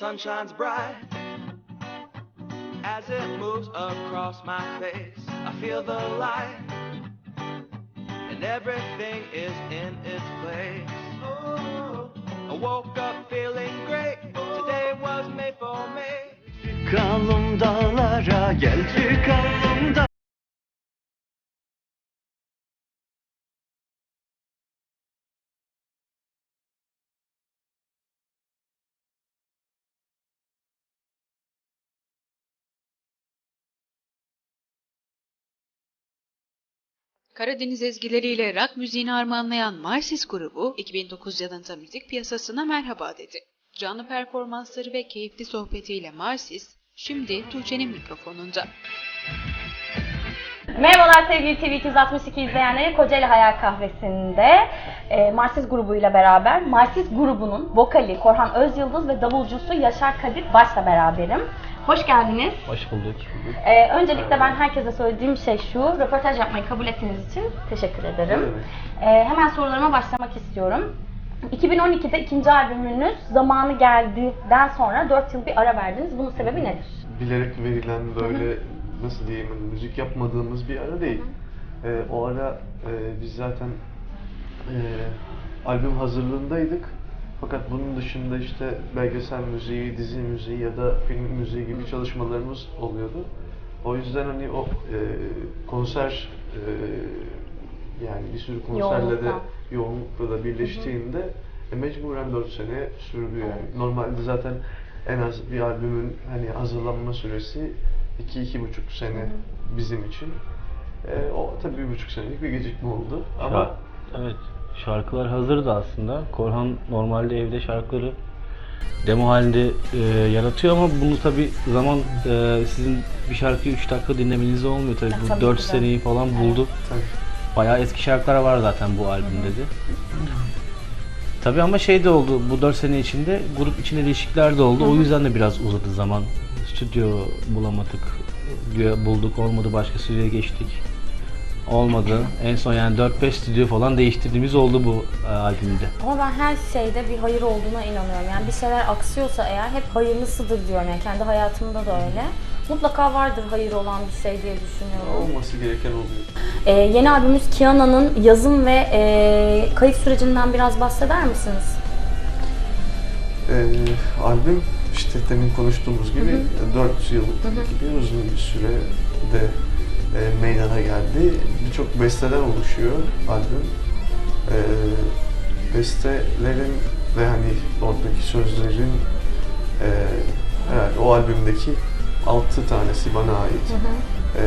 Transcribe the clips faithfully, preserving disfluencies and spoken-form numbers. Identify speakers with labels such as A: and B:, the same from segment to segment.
A: sun shines bright. As it moves across my face, I feel the light, and everything is in its place. Oh, I woke up feeling great, today was made for me.
B: Çıkalım dağlara, gel çıkalım da.
C: Karadeniz ezgileriyle rock müziğini armağanlayan Marsis grubu iki bin dokuz yılında müzik piyasasına merhaba dedi. Canlı performansları ve keyifli sohbetiyle Marsis, şimdi Tuğçe'nin mikrofonunda.
D: Merhabalar sevgili T V iki yüz altmış iki izleyenleri, Kocaeli Hayal Kahvesi'nde e, Marsis grubuyla beraber Marsis grubunun vokali Korhan Özyıldız ve davulcusu Yaşar Kadir Baş'la beraberim. Hoş geldiniz.
E: Hoş bulduk.
D: Ee, öncelikle ben herkese söylediğim şey şu, röportaj yapmayı kabul ettiğiniz için teşekkür ederim. Ee, hemen sorularıma başlamak istiyorum. iki bin on ikide ikinci albümünüz Zamanı Geldi'den sonra dört yıl bir ara verdiniz. Bunun sebebi nedir?
F: Bilerek verilen böyle, hı hı, nasıl diyeyim, hani müzik yapmadığımız bir ara değil. Hı hı. Ee, o ara e, biz zaten e, albüm hazırlığındaydık. Fakat bunun dışında işte belgesel müziği, dizi müziği ya da film müziği gibi çalışmalarımız oluyordu. O yüzden hani o e, konser e, yani bir sürü konserle de yoğunlukla da birleştiğinde e, mecburen dört sene sürdü yani. Normalde zaten en az bir albümün hani hazırlanma süresi iki iki buçuk sene, hı hı, bizim için. E, o tabii bir buçuk senelik bir gecikme oldu. Ama
E: ya, evet. Şarkılar hazırdı aslında. Korhan normalde evde şarkıları demo halinde e, yaratıyor ama bunu tabi zaman e, sizin bir şarkıyı üç dakika dinlemeniz olmuyor tabi. Bu dört seneyi falan buldu. Evet. Bayağı eski şarkılar var zaten bu albümde de. Tabi ama şey de oldu, bu dört sene içinde grup içinde değişiklikler de oldu. O yüzden de biraz uzadı zaman. Stüdyo bulamadık, bulduk, olmadı, başka stüdyoya geçtik. Olmadı. En son yani dört beş stüdyo falan değiştirdiğimiz oldu bu e, albümde.
D: Ama ben her şeyde bir hayır olduğuna inanıyorum. Yani bir şeyler aksıyorsa eğer hep hayırlısıdır diyorum. Yani kendi hayatımda da öyle. Mutlaka vardır hayır olan bir şey diye düşünüyorum.
F: Olması gereken oluyor.
D: Ee, yeni albümümüz Kiana'nın yazım ve e, kayıt sürecinden biraz bahseder misiniz?
F: Ee, albüm işte demin konuştuğumuz gibi dört yıl gibi uzun bir sürede e, meydana geldi. Birçok besteden oluşuyor albüm. E, bestelerin ve hani oradaki sözlerin e, herhalde o albümdeki altı tanesi bana ait. Hı hı. E,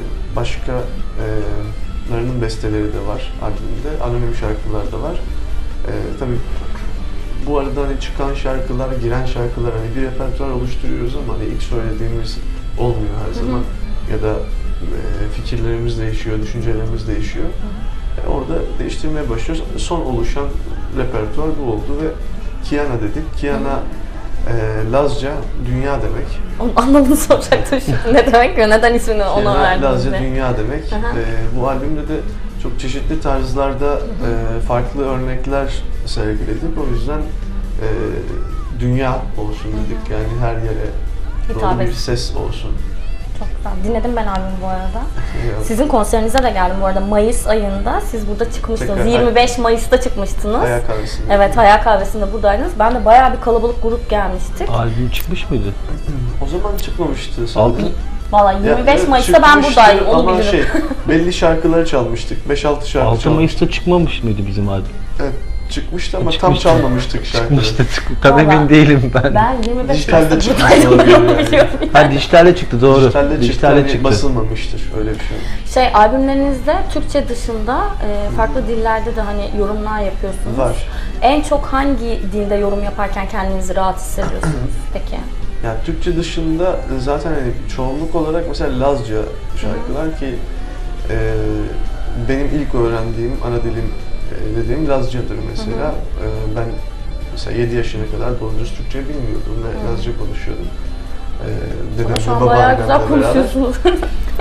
F: başkalarının besteleri de var albümde. Anonim şarkılar da var. E, tabii bu arada hani çıkan şarkılar, giren şarkılar, hani bir repertuar oluşturuyoruz ama hani ilk söylediğimiz olmuyor her zaman. Hı hı. Ya da e, fikirlerimiz değişiyor, düşüncelerimiz değişiyor. Hı hı. E, orada değiştirmeye başlıyoruz. Son oluşan repertuar bu oldu ve Kiana dedik. Kiana e, Lazca dünya demek.
D: Onun anlamını soracaktım şimdi. Ne demek ve neden ismini ona verdiniz?
F: Lazca dünya demek. E, bu albümde de çok çeşitli tarzlarda e, farklı örnekler sergiledik. O yüzden e, dünya olsun dedik. Yani her yere doğru bir ses olsun.
D: Çok güzel. Dinledim ben albümü bu arada. Sizin konserinize de geldim bu arada. Mayıs ayında siz burada çıkmıştınız. Tekrar, yirmi beş Mayıs'ta çıkmıştınız.
F: Hayal Kahvesi'nde.
D: Evet, Hayal Kahvesi'nde buradaydınız. Ben de bayağı bir kalabalık grup gelmiştik.
E: Albüm çıkmış mıydı?
F: O zaman çıkmamıştı sanırım.
D: Valla yirmi beş
F: ya,
D: Mayıs'ta ben buradaydım, onu
F: ama
D: bilirim.
F: Şey, belli şarkıları çalmıştık. beş altı şarkı
E: altı Mayıs'ta çıkmamış mıydı bizim albüm?
F: Evet, çıkmıştı ama
E: çıkmıştı.
F: tam çalmamıştık şarkıları.
E: Çıkmıştı, çık tam emin değilim ben.
D: Ben yirmi beş
F: Dijitalde çıktı.
D: yani.
E: Ha, dijitalde çıktı, doğru.
F: Dijitalde,
E: dijitalde
F: çıktı,
E: çıktı.
F: Basılmamıştır, öyle bir şey.
D: Şey, albümlerinizde Türkçe dışında e, farklı dillerde de hani yorumlar yapıyorsunuz.
F: Var.
D: En çok hangi dilde yorum yaparken kendinizi rahat hissediyorsunuz peki?
F: Yani Türkçe dışında zaten hani çoğunluk olarak mesela Lazca şarkılar ki e, benim ilk öğrendiğim ana dilim e, dediğim Lazcadır mesela. E, ben mesela yedi yaşına kadar doğru düz Türkçe bilmiyordum ve Lazca konuşuyordum. E, dedemle,
D: şu an bayağı güzel konuşuyorsunuz.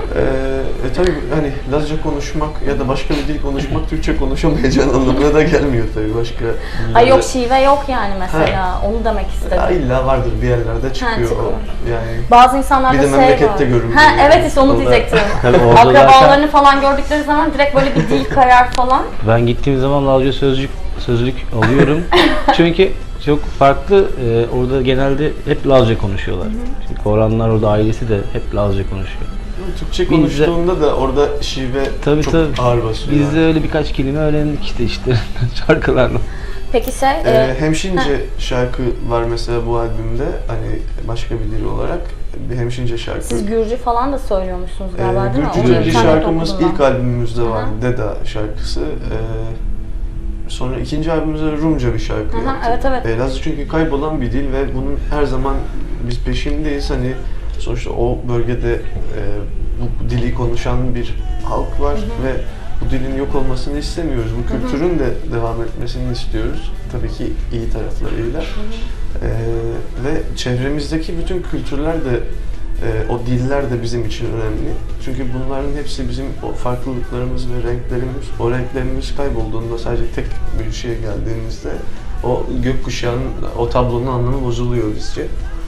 F: Ee, e tabii hani Lazca konuşmak ya da başka bir dil konuşmak Türkçe konuşamayacağın anlamına da gelmiyor tabii başka.
D: Ay yok şive yok yani mesela. Onu demek istedim.
F: Ya illa vardır bir yerlerde çıkıyor
D: çıkıyor.
F: o. Yani
D: Bazı insanlarda
F: bir de
D: şey
F: memlekette
D: var.
F: görülüyor
D: Ha
F: yani.
D: evet işte onu
F: Orada-
D: diyecektim.
E: Tabii orada
D: Akrabalarını falan gördükleri zaman direkt böyle bir dil kayar falan.
E: Ben gittiğim zaman Lazca sözcük sözlük alıyorum. Çünkü çok farklı. e, orada genelde hep Lazca konuşuyorlar. Çünkü Korhanlar orada ailesi de hep Lazca konuşuyor.
F: Türkçe
E: Biz de-
F: konuştuğunda da orada şive
E: Tabii
F: çok
E: tabii.
F: ağır basıyor.
E: Biz de öyle birkaç kelime öğrendik işte işte şarkılarla.
D: Peki şey,
F: Ee,
D: e,
F: hemşince şarkı var mesela bu albümde, hani başka bir dil olarak bir hemşince şarkı.
D: siz Gürcü falan da söylüyormuşsunuz
F: Ee,
D: galiba değil mi?
F: Gürcü
D: Onu
F: Gürcü
D: internette
F: şarkımız
D: okudum
F: ilk
D: ben.
F: albümümüzde
D: Hı hı.
F: vardı, Deda şarkısı. Ee, sonra ikinci albümümüzde Rumca bir şarkı
D: Hı hı,
F: yaptık.
D: evet, evet.
F: Ee, Lazca çünkü kaybolan bir dil ve bunun her zaman biz peşindeyiz. Hani sonuçta o bölgede e, bu dili konuşan bir halk var ve bu dilin yok olmasını istemiyoruz. Bu kültürün de devam etmesini istiyoruz. Tabii ki iyi taraflarıyla. Ee, ve çevremizdeki bütün kültürler de, e, o diller de bizim için önemli. Çünkü bunların hepsi bizim o farklılıklarımız ve renklerimiz, o renklerimiz kaybolduğunda sadece tek bir şeye geldiğimizde o gökkuşağının, o tablonun anlamı bozuluyor bizce.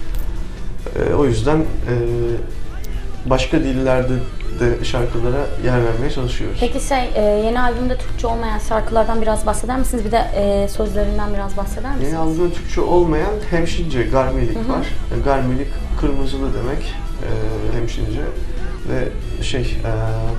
F: Ee, o yüzden e, başka dillerde de şarkılara yer vermeye çalışıyoruz.
D: Peki şey, e, yeni albümde Türkçe olmayan şarkılardan biraz bahseder misiniz? Bir de e, sözlerinden biraz bahseder misiniz?
F: Yeni albümde Türkçe olmayan hemşince, garmilik var. E, Garmilik kırmızılı demek, e, hemşince ve şey, e,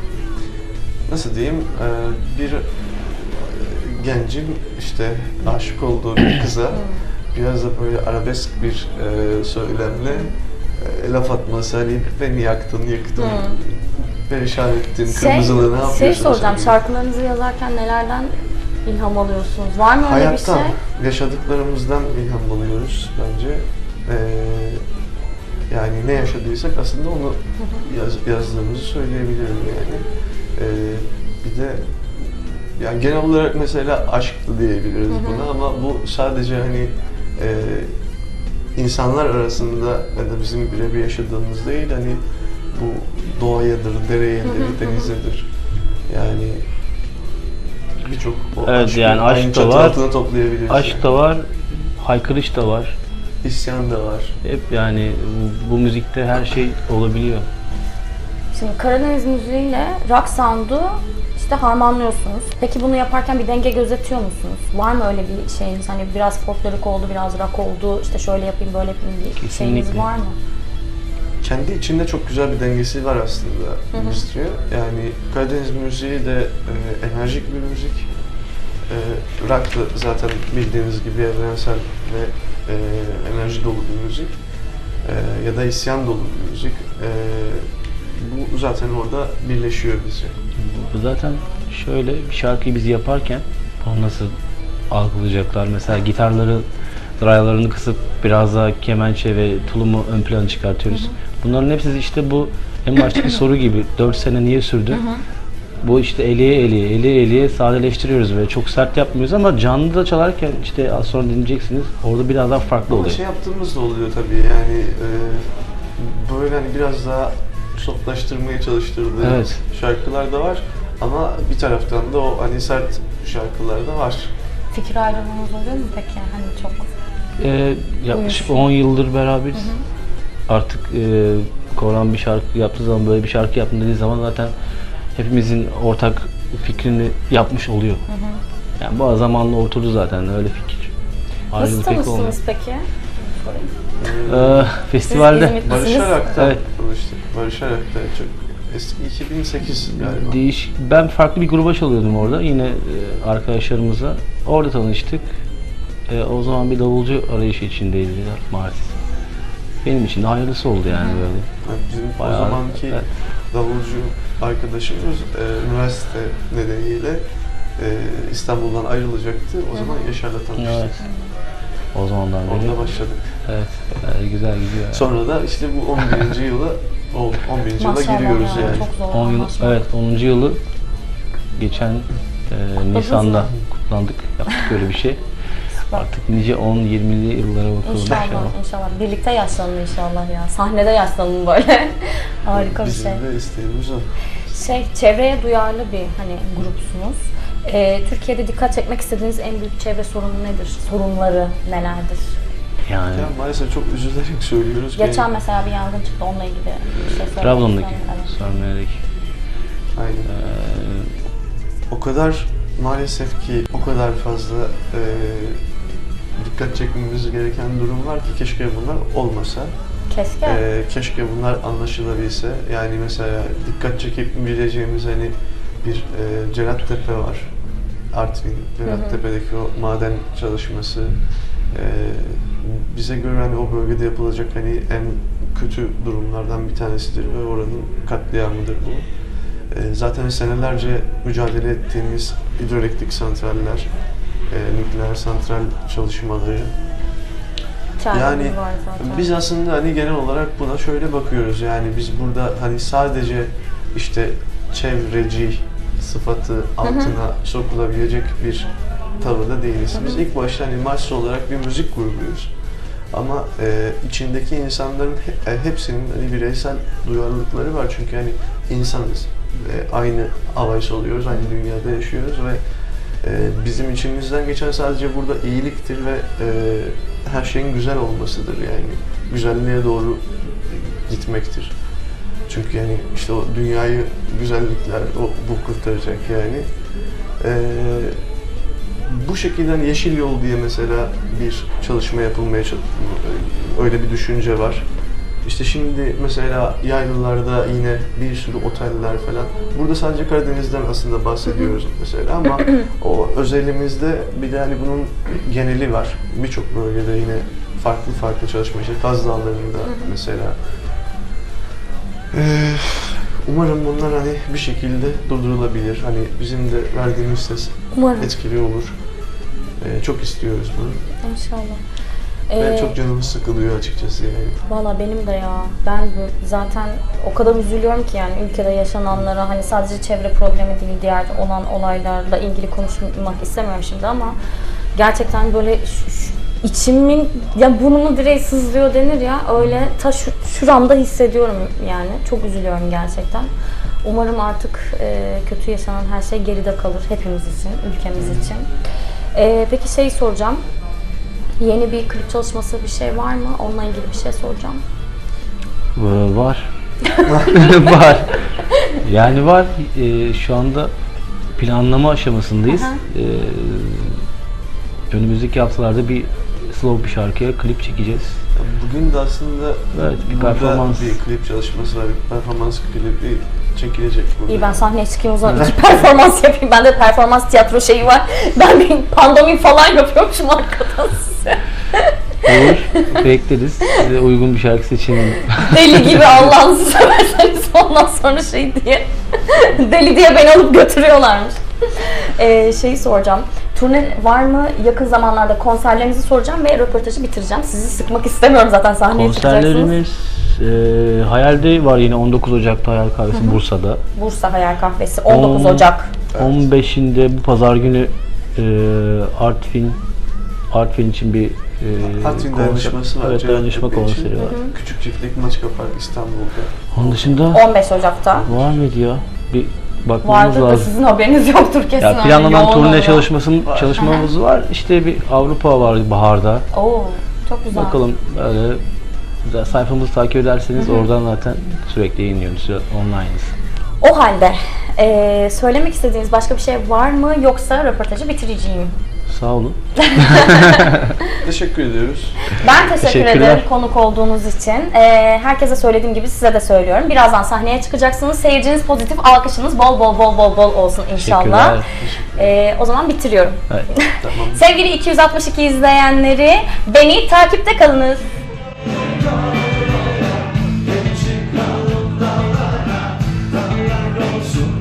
F: nasıl diyeyim, e, bir e, gencin işte aşık olduğu bir kıza biraz da böyle arabesk bir e, söylemle e, laf atması, hani beni yaktın, yıktın, perişan ettin,
D: Şey,
F: kırmızılı ne yapıyorsun?
D: şey soracağım,
F: sen?
D: şarkılarınızı yazarken nelerden ilham alıyorsunuz? Var mı öyle
F: Hayattan,
D: bir şey?
F: yaşadıklarımızdan ilham alıyoruz bence. Ee, yani ne yaşadıysak aslında onu yaz, yazdığımızı söyleyebilirim yani. Ee, bir de yani genel olarak mesela aşktı diyebiliriz buna, ama bu sadece hani e, insanlar arasında ya da bizim birebir yaşadığımız değil, hani bu doğayadır, dereyedir, denizedir. Yani birçok o
E: Evet,
F: aşkı
E: yani aşk
F: aynı
E: da
F: çatı
E: var,
F: altına toplayabiliriz.
E: Aşk
F: yani.
E: da var, haykırış da var.
F: İsyan da var.
E: Hep yani bu, bu müzikte her şey olabiliyor.
D: Şimdi Karadeniz müziğiyle rock sound'u işte harmanlıyorsunuz. Peki bunu yaparken bir denge gözetiyor musunuz? Var mı öyle bir şeyiniz? Hani biraz folklorik oldu, biraz rock oldu, işte şöyle yapayım, böyle yapayım bir şeyiniz
E: Kesinlikle.
D: var mı?
F: Kendi içinde çok güzel bir dengesi var aslında müziği. Yani Karadeniz müziği de e, enerjik bir müzik. E, rock da zaten bildiğiniz gibi evrensel ve e, enerji dolu bir müzik. E, ya da isyan dolu bir müzik. E, bu zaten orada birleşiyor bizi.
E: Bu zaten şöyle bir şarkıyı biz yaparken onu nasıl algılayacaklar? Mesela gitarları, drylarını kısıp biraz daha kemençe ve tulumu ön plana çıkartıyoruz. Bunların hepsi işte bu en baştaki soru gibi dört sene niye sürdü? Bu işte eliye eliye, eliye eliye sadeleştiriyoruz ve çok sert yapmıyoruz ama canlı da çalarken işte az sonra dinleyeceksiniz. Orada biraz daha farklı
F: Ama
E: oluyor.
F: şey yaptığımız da oluyor tabii, yani e, böyle hani biraz daha softlaştırmaya çalıştırdığımız
E: Evet.
F: şarkılar da var. Ama bir taraftan da o hani sert şarkılar da var.
D: Fikir ayrılığınız oluyor mu peki? Hani çok
E: Ee, yaklaşık
D: Uyuşuyor.
E: on yıldır beraberiz. Artık e, Korhan bir şarkı yaptığı zaman, böyle bir şarkı yaptım dediği zaman zaten hepimizin ortak fikrini yapmış oluyor. Yani bu zamanla oturdu zaten öyle fikir.
D: nasıl
E: Ayrılık pek olmuyor.
D: tanıştınız peki?
E: Ee, festivalde
D: İzmit'te-
F: Barış
D: Misiniz?
F: Arak'ta
E: Evet.
F: tanıştık. Barış Arak'ta çok eski iki bin sekiz galiba.
E: değiş ben farklı bir gruba çalıyordum orada yine e, arkadaşlarımızla. Orada tanıştık. E, o zaman bir davulcu arayışı içindeydiler maalesef. Benim için de hayırlısı oldu yani böyle.
F: Yani bizim
E: Bayağı-
F: o zamanki
E: evet.
F: davulcu arkadaşımız e, üniversite nedeniyle e, İstanbul'dan ayrılacaktı. O zaman Yaşar'la tanıştık.
E: Evet. O zamandan beri.
F: Orada başladık.
E: Evet. e, güzel gidiyor. Yani.
F: Sonra da işte bu on birinci yıla oldu. on birinci yıla
D: Maşallah
F: giriyoruz
D: ya,
F: yani.
D: çok zor
E: on yıl,
D: anlaşmak.
E: evet onuncu yılı geçen e, Nisan'da kutlandık. Yaptık öyle bir şey. Artık nice on yirmili yıllara bakalım
D: İnşallah,
E: inşallah.
D: inşallah. Birlikte yaşlanın inşallah ya. Sahnede yaşlanın böyle. Harika bir şey.
F: Bizim de isteğimiz o.
D: Şey, çevreye duyarlı bir hani grupsunuz. Ee, Türkiye'de dikkat çekmek istediğiniz en büyük çevre sorunu nedir? Sorunları nelerdir?
E: Yani
F: Ya maalesef çok üzülerek söylüyoruz. ki-
D: Geçen mesela bir yangın çıktı, onunla ilgili bir şey söylemek
E: Trabzon'daki
D: istiyorum. Evet.
E: Sarmeyer'deki
F: Aynen.
E: eee,
F: O kadar maalesef ki o kadar fazla e, dikkat çekmemiz gereken durum var ki keşke bunlar olmasa.
D: Keşke.
F: E, keşke bunlar anlaşılabilse. Yani mesela dikkat çekebileceğimiz hani bir e, Cerattepe var. Artvin, Cerattepe'deki o maden çalışması. E, bize göre hani o bölgede yapılacak hani en kötü durumlardan bir tanesidir ve oranın katliamıdır bu. E, zaten senelerce mücadele ettiğimiz hidroelektrik santraller, e, nükleer santral çalışmaları.
D: Çaremiz
F: Yani
D: var zaten.
F: biz aslında hani genel olarak buna şöyle bakıyoruz. Yani biz burada hani sadece işte çevreci sıfatı altına sokulabilecek bir tavırda değiliz. Biz ilk başta hani Mars olarak bir müzik grubuyuz. Ama e, içindeki insanların he, e, hepsinin hani bireysel duyarlılıkları var. Çünkü hani insanız. E, aynı havayı soluyoruz, aynı dünyada yaşıyoruz ve e, bizim içimizden geçen sadece burada iyiliktir ve e, her şeyin güzel olmasıdır yani. Güzelliğe doğru gitmektir. Çünkü yani işte o dünyayı güzellikler o bu kurtaracak yani. E, bu şekilde hani Yeşil Yol diye mesela bir çalışma yapılmaya çalışıyor. Öyle bir düşünce var. İşte şimdi mesela yaylalarda yine bir sürü oteller falan. Burada sadece Karadeniz'den aslında bahsediyoruz mesela ama o özelimizde bir de hani bunun geneli var. Birçok bölgede yine farklı farklı çalışma işte Kaz Dağları'nda mesela. Ee, umarım bunlar hani bir şekilde durdurulabilir. Hani bizim de verdiğimiz ses
D: Umarım.
F: etkili olur. Ee, çok istiyoruz bunu.
D: İnşallah.
F: Ve
D: Ee,
F: çok canımız sıkılıyor açıkçası yani.
D: Valla benim de ya. Ben bu- zaten o kadar üzülüyorum ki yani ülkede yaşananlara, hani sadece çevre problemi değil, diğer olan olaylarla ilgili konuşmak istemiyorum şimdi ama gerçekten böyle şu- şu- içimin ya burnumu direği sızlıyor denir ya, öyle ta şu, şuramda hissediyorum yani. Çok üzülüyorum gerçekten. Umarım artık e, kötü yaşanan her şey geride kalır hepimiz için, ülkemiz için. E, peki şey soracağım. Yeni bir klip çalışması bir şey var mı? Onunla ilgili bir şey soracağım.
E: Ee, var. Var. Yani var. Ee, şu anda planlama aşamasındayız.
D: Aha.
E: Ee, önümüzdeki haftalarda bir slow bir şarkıya klip çekeceğiz.
F: Bugün de aslında
E: Evet, bir
F: burada
E: performans.
F: bir klip çalışması var, bir performans klibi çekilecek burada.
D: İyi, ben sahneye çıkayım o zaman, iki performans yapayım. Bende performans tiyatro şeyi var. Ben bir pandomim falan yapıyormuşum arkadan size.
E: Olur. Bekleriz. Size uygun bir şarkı seçelim.
D: Deli gibi Allah'ınızı severseniz ondan sonra şey diye. Deli diye beni alıp götürüyorlarmış. Ee, şeyi soracağım. Turne var mı? Yakın zamanlarda konserlerinizi soracağım ve röportajı bitireceğim. Sizi sıkmak istemiyorum, zaten sahneye çıkacaksınız.
E: Konserlerimiz e, Hayal'de var yine on dokuz Ocak'ta Hayal Kahvesi Bursa'da.
D: Bursa Hayal Kahvesi on dokuz
E: On-
D: Ocak.
E: on beşinde bu pazar günü e, Artvin Artvin için bir e,
F: Artvin
E: konser-
F: dayanışması var.
E: Evet,
F: Cevdet
E: dayanışma
F: Tepe için.
E: konseri var.
F: Küçük Çiftlik Maçka Park İstanbul'da.
E: Onun dışında
D: on beş Ocak'ta.
E: var mıydı ya? Bir bakmamız
D: Vardır da
E: lazım.
D: sizin haberiniz yoktur kesin.
E: Ya
D: öyle
E: planlanan
D: yoğun
E: turne
D: oluyor.
E: çalışmasım çalışmamız var. İşte bir Avrupa var baharda.
D: Oo, çok güzel.
E: Bakalım böyle güzel, sayfamızı takip ederseniz oradan zaten sürekli yayınlıyoruz. Online'ız.
D: O halde eee, söylemek istediğiniz başka bir şey var mı, yoksa röportajı bitireceğim?
E: Sağ olun.
F: Teşekkür ediyoruz.
D: Ben teşekkür
E: Teşekkürler.
D: ederim konuk olduğunuz için. Eee, herkese söylediğim gibi size de söylüyorum. Birazdan sahneye çıkacaksınız. Seyirciniz pozitif, alkışınız bol bol bol bol bol olsun inşallah.
E: Teşekkürler.
D: Eee, o zaman bitiriyorum.
E: Evet.
F: Tamam.
D: Sevgili iki yüz altmış iki izleyenleri, beni takipte kalınız.
B: Olsun